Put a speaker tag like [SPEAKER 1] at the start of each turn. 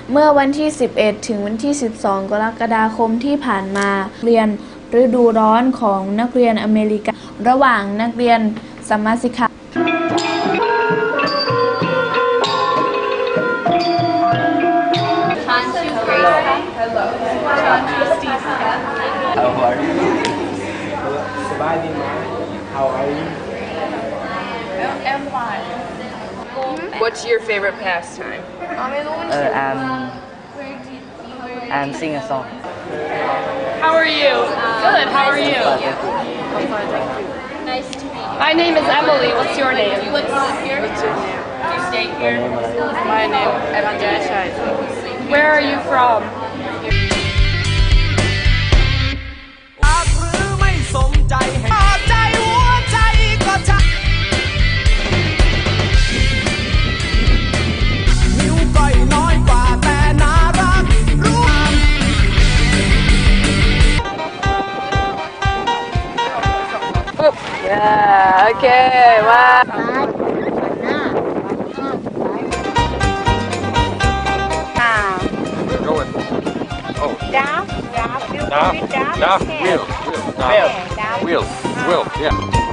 [SPEAKER 1] เมื่อวันที่ 11 ถึงวันที่ 12 กรกฎาคมที่ผ่านมาเรียนฤดูร้อนของนักเรียนอเมริกันระหว่างนักเรียนสัมมาสิกขา
[SPEAKER 2] How are you? How are you?
[SPEAKER 3] I'm fine. What's your favorite pastime?
[SPEAKER 4] I'm sing a song.
[SPEAKER 3] How are you? Good. How are you?
[SPEAKER 5] Nice to meet you.
[SPEAKER 3] My name is Emily. What's your name?
[SPEAKER 5] You like to live here?
[SPEAKER 3] What's your name?
[SPEAKER 5] Do you stay here?
[SPEAKER 3] My name is Evan. Where are you from? โอเคว่า
[SPEAKER 6] Going. Oh.
[SPEAKER 7] Down,
[SPEAKER 6] Down.
[SPEAKER 7] down,
[SPEAKER 6] Down.
[SPEAKER 7] down,
[SPEAKER 6] Down.
[SPEAKER 7] down.
[SPEAKER 6] Wheel.
[SPEAKER 7] Down.
[SPEAKER 6] Wheel. Wheel. Yeah.